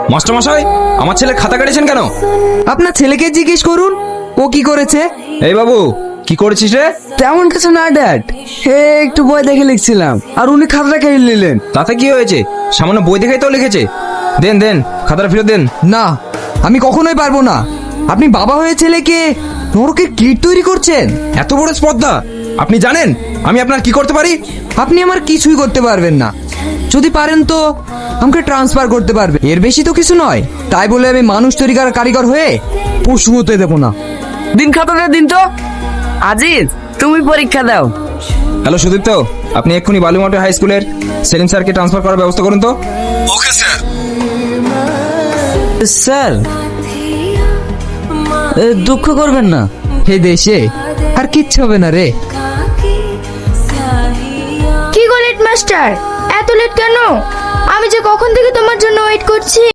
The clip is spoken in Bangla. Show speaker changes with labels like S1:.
S1: মাস্টার মশাই, আমার ছেলে খাতা কেটেছেন কেন?
S2: আপনার ছেলেকে জিজ্ঞেস করুন ও কি করেছে।
S1: এই বাবু, কি করেছিস রে?
S2: তেমন কিছু না ড্যাড, হে একটু বই দেখে লিখছিলাম আর উনি খাতাটা কেড়ে নিলেন।
S1: তাতে কি হয়েছে? সামান্য বই দেখেই তো লিখেছে। দেন দেন, খাতাটা ফেরত দেন।
S2: না, আমি কখনোই পারবো না। আপনি বাবা হয়ে ছেলেকে নরকের কীট তৈরি করছেন।
S1: এত বড় স্পর্ধা! আপনি জানেন আমি আপনার কি করতে পারি?
S2: আপনি আমার কিছুই করতে পারবেন না। যদি পারেন তো আমাকে ট্রান্সফার করতে পারবে, এর বেশি তো কিছু নয়। তাই বলে আমি মানুষ তৈরি করার কারিগর হয়ে পশু হতে দেবো না।
S3: দিন খাতাটা দিন তো। আজিজ, তুমি পরীক্ষা দাও।
S1: হ্যালো সুদীপ্ত, আপনি এক্ষুনি বালুমাটি হাই স্কুলের সেলিম স্যারকে ট্রান্সফার করার ব্যবস্থা করুন তো।
S4: Okay sir.
S2: স্যার, দুঃখ করবেন না, হে দেশে আর কিচ্ছু হবে না রে।
S5: কি গো লেট মাস্টার, এত লেট কেন? আমি যে কখন থেকে তোমার জন্য ওয়েট করছি।